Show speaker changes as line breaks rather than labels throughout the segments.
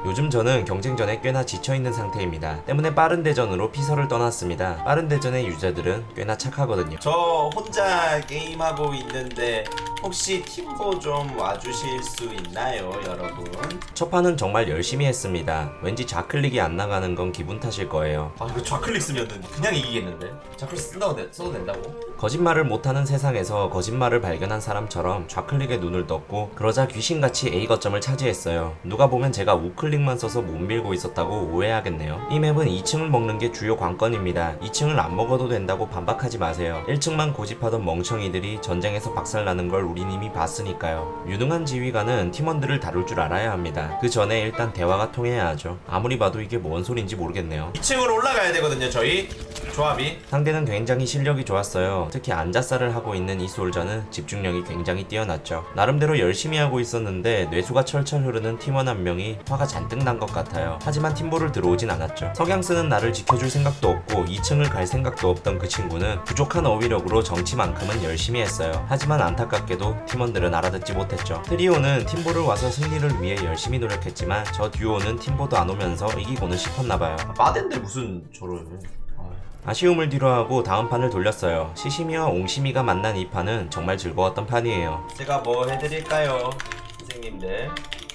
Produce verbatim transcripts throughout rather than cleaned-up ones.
요즘 저는 경쟁전에 꽤나 지쳐있는 상태입니다. 때문에 빠른 대전으로 피서를 떠났습니다. 빠른 대전의 유저들은 꽤나 착하거든요.
저 혼자 게임하고 있는데 혹시 팀보 좀 와주실 수 있나요, 여러분?
첫 판은 정말 열심히 했습니다. 왠지 좌클릭이 안 나가는 건 기분 탓일 거예요.
아, 이거 좌클릭 쓰면은 그냥 이기겠는데? 좌클릭 쓴다고 돼, 써도 된다고?
거짓말을 못하는 세상에서 거짓말을 발견한 사람처럼 좌클릭에 눈을 떴고 그러자 귀신같이 A 거점을 차지했어요. 누가 보면 제가 우클릭만 써서 못 밀고 있었다고 오해하겠네요. 이 맵은 이 층을 먹는 게 주요 관건입니다. 이 층을 안 먹어도 된다고 반박하지 마세요. 일 층만 고집하던 멍청이들이 전쟁에서 박살나는 걸 우린 이미 봤으니까요. 유능한 지휘관은 팀원들을 다룰 줄 알아야 합니다. 그 전에 일단 대화가 통해야 하죠. 아무리 봐도 이게 뭔 소린지 모르겠네요.
이 층으로 올라가야 되거든요, 저희 조합이.
상대는 굉장히 실력이 좋았어요. 특히 안자살을 하고 있는 이 솔저는 집중력이 굉장히 뛰어났죠. 나름대로 열심히 하고 있었는데 뇌수가 철철 흐르는 팀원 한 명이 화가 잔뜩 난 것 같아요. 하지만 팀보를 들어오진 않았죠. 석양 쓰는 나를 지켜줄 생각도 없고 이 층을 갈 생각도 없던 그 친구는 부족한 어휘력으로 정치만큼은 열심히 했어요. 하지만 안타깝게도 팀원들은 알아듣지 못했죠. 트리오는 팀보를 와서 승리를 위해 열심히 노력했지만 저 듀오는 팀보도 안 오면서 이기고는 싶었나봐요.
아, 빠덴데 무슨 저를.
아쉬움을 뒤로하고 다음 판을 돌렸어요. 시시미와 옹심이가 만난 이 판은 정말 즐거웠던 판이에요.
제가 뭐 해드릴까요, 선생님들?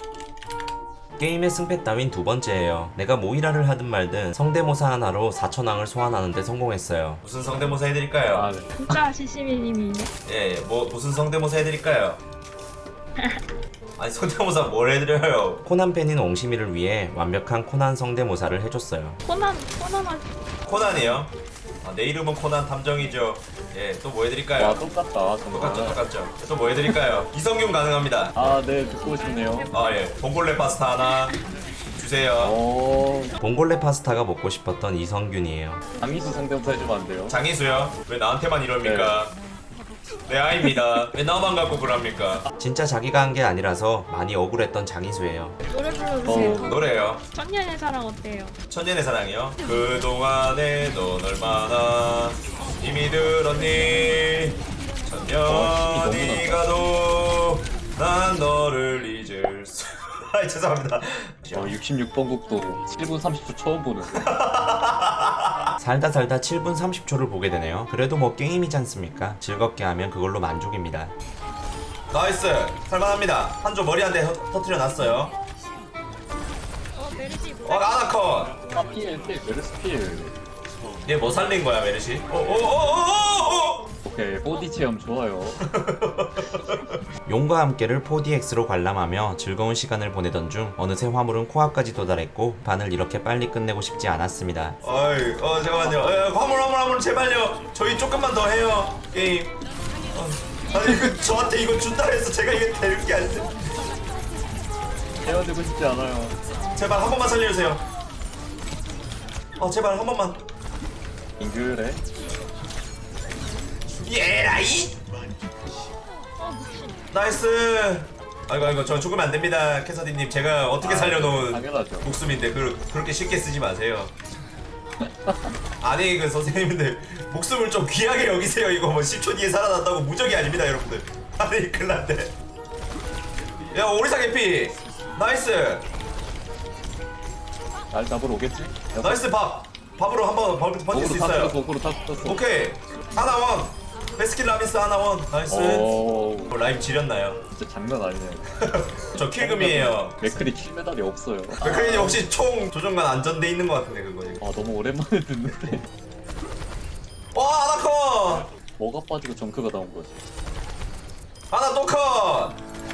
게임의 승패 따윈 두 번째예요. 내가 모이라를 하든 말든 성대모사 하나로 사천왕을 소환하는데 성공했어요.
무슨 성대모사 해드릴까요?
아, 네.
진짜 시시미님이네.
예, 뭐 무슨 성대모사 해드릴까요? 아니, 성대모사 뭘 해드려요?
코난 팬인 옹심이를 위해 완벽한 코난 성대모사를 해줬어요.
코난 코난한
코난이요? 아, 내 이름은 코난 탐정이죠. 예, 또 뭐 해드릴까요?
와, 똑같다. 정말.
똑같죠, 똑같죠. 또 뭐 해드릴까요? 이성균 가능합니다.
아, 네, 듣고 싶네요.
아, 예, 봉골레 파스타 하나 주세요.
어,
봉골레 파스타가 먹고 싶었던 이성균이에요.
장희수 성대모사 해주면 안 돼요?
장희수요? 왜 나한테만 이럽니까? 내 아이입니다. 왜 나만 갖고 그럽니까?
진짜 자기가 한 게 아니라서 많이 억울했던 장희수예요.
노래 불러주세요.
어.
노래요.
천년의 사랑 어때요?
천년의 사랑이요? 그동안에 넌 얼마나 힘이 들었니?
어, 힘이
천년이
너무
가도 난 너를 잊을 수... 아, 죄송합니다.
어, 육십육 번 국도 칠 분 삼십 초 처음 보는.
살다 살다 칠 분 삼십 초를 보게 되네요. 그래도 뭐 게임이지 않습니까? 즐겁게 하면 그걸로 만족입니다.
나이스! 살만합니다. 한조 머리 한 대 터트려 놨어요.
어 메르시
어,
노래.
아나콘!
아, 필, 필, 메르스 필.
얘 뭐 살린 거야, 메르시? 오오오오오!
오케이, 보디 체험 좋아요.
용과 함께를 포디엑스로 관람하며 즐거운 시간을 보내던 중 어느새 화물은 코앞까지 도달했고 판을 이렇게 빨리 끝내고 싶지 않았습니다.
어이, 어, 잠깐만요. 어, 화물, 화물, 화물, 제발요. 저희 조금만 더 해요, 게임. 어, 아니, 그, 저한테 이거 준다 해서 제가 이거 되는 게 아닌데.
헤어지고 싶지 않아요.
제발 한 번만 살려주세요. 어, 제발 한 번만.
잉글해.
예라이!
어 미친.
나이스! 아이고, 아이고, 저 죽으면 안 됩니다, 캐서디님. 제가 어떻게
아,
살려놓은
당연하죠.
목숨인데, 그, 그렇게 쉽게 쓰지 마세요. 아니, 그 선생님들, 목숨을 좀 귀하게 여기세요. 이거 뭐 십 초 뒤에 살아난다고 무적이 아닙니다, 여러분들. 아니, 큰일 났네. 야, 오리사 개피! 나이스!
날 잡으러 오겠지?
나이스 밥! 밥으로 한번 버- 버틸 수 있어요.
고구로 다 떴어.
오케이! 하나 원! 베스킨 라빈스 하나 원! 나이스!
오,
어, 라임 지렸나요?
진짜 장난 아니네.
저 킬금이에요.
맥클이 킬메달이 없어요.
백크린이 혹시 총 조종관 안전돼 있는 것 같은데 그거 이거.
아, 너무 오랜만에 듣는데.
와 하나 컷!
뭐가 빠지고 정크가 나온 거지?
하나 또 컷!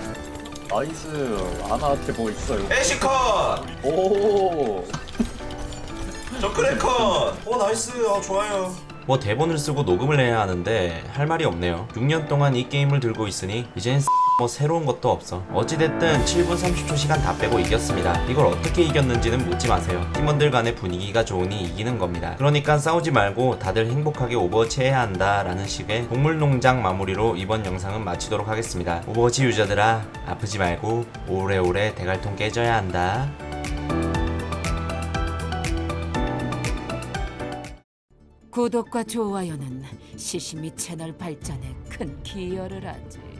나이스. 아나한테 뭐 있어요?
애쉬 컷!
오.
저 크랙 컷! 오 나이스 아 좋아요.
뭐 대본을 쓰고 녹음을 해야 하는데 할 말이 없네요. 육 년 동안 이 게임을 들고 있으니 이젠 뭐 새로운 것도 없어. 어찌됐든 칠 분 삼십 초 시간 다 빼고 이겼습니다. 이걸 어떻게 이겼는지는 묻지 마세요. 팀원들 간의 분위기가 좋으니 이기는 겁니다. 그러니까 싸우지 말고 다들 행복하게 오버워치 해야 한다 라는 식의 동물농장 마무리로 이번 영상은 마치도록 하겠습니다. 오버워치 유저들아 아프지 말고 오래오래 대갈통 깨져야 한다.
구독과 좋아요는 시시미 채널 발전에 큰 기여를 하지.